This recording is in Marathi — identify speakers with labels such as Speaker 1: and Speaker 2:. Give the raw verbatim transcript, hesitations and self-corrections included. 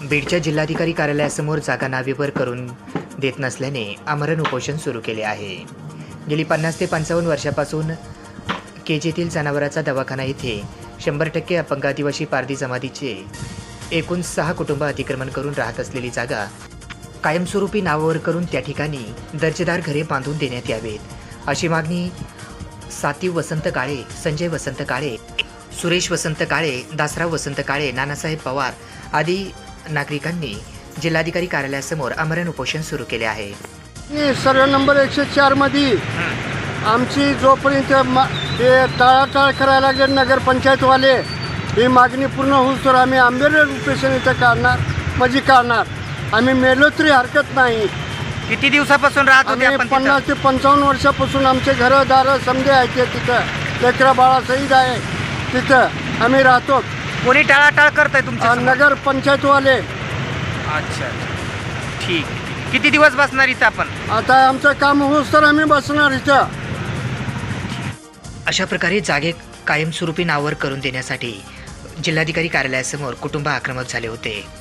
Speaker 1: बीडच्या जिल्हाधिकारी कार्यालयासमोर जागा नावेवर करून देत नसल्याने आमरण उपोषण सुरू केले आहे। गेली पन्नास ते पंचावन्न वर्षापासून केजेतील जनावराचा दवाखाना येथे शंभर टक्के अपंग आदिवासी पारधी जमातीचे एकूण सहा कुटुंब अतिक्रमण करून राहत असलेली जागा कायमस्वरूपी नावावर करून त्या ठिकाणी दर्जेदार घरे बांधून देण्यात यावेत अशी मागणी सातीव वसंत काळे, संजय वसंत काळे, सुरेश वसंत काळे, दासराव वसंत काळे, नानासाहेब पवार आदी नागरिकांनी जिल्हाधिकारी कार्यालयासमोर आमरण उपोषण सुरू केले आहे।
Speaker 2: सर्व नंबर एकशे चार मध्ये आमची जोपर्यंत हे टाळाटाळ करायला लागले नगरपंचायतवाले, ही मागणी पूर्ण होऊस तर आम्ही आंबेडकर उपोषण इथं काढणार म्हणजे काढणार। आम्ही मेलो तरी हरकत नाही।
Speaker 1: किती दिवसापासून राहत होते आपण?
Speaker 2: पन्नास ते पंचावन्न वर्षापासून आमचे घरं दारं समजे आहेत ते तिथं, लेकरा बाळा सहीद आहे तिथं आम्ही राहतो।
Speaker 1: कोणी टाळाटाळ करताय तुमच्या?
Speaker 2: नगर पंचायतवाले।
Speaker 1: अच्छा, ठीक। किती दिवस बसणार इथं आपण?
Speaker 2: आता आमचं काम होऊस तर आम्ही बसणार इथं।
Speaker 1: अशा प्रकारे जागे कायमस्वरूपी नावावर करून देण्यासाठी जिल्हाधिकारी कार्यालयासमोर कुटुंब आक्रमक झाले होते।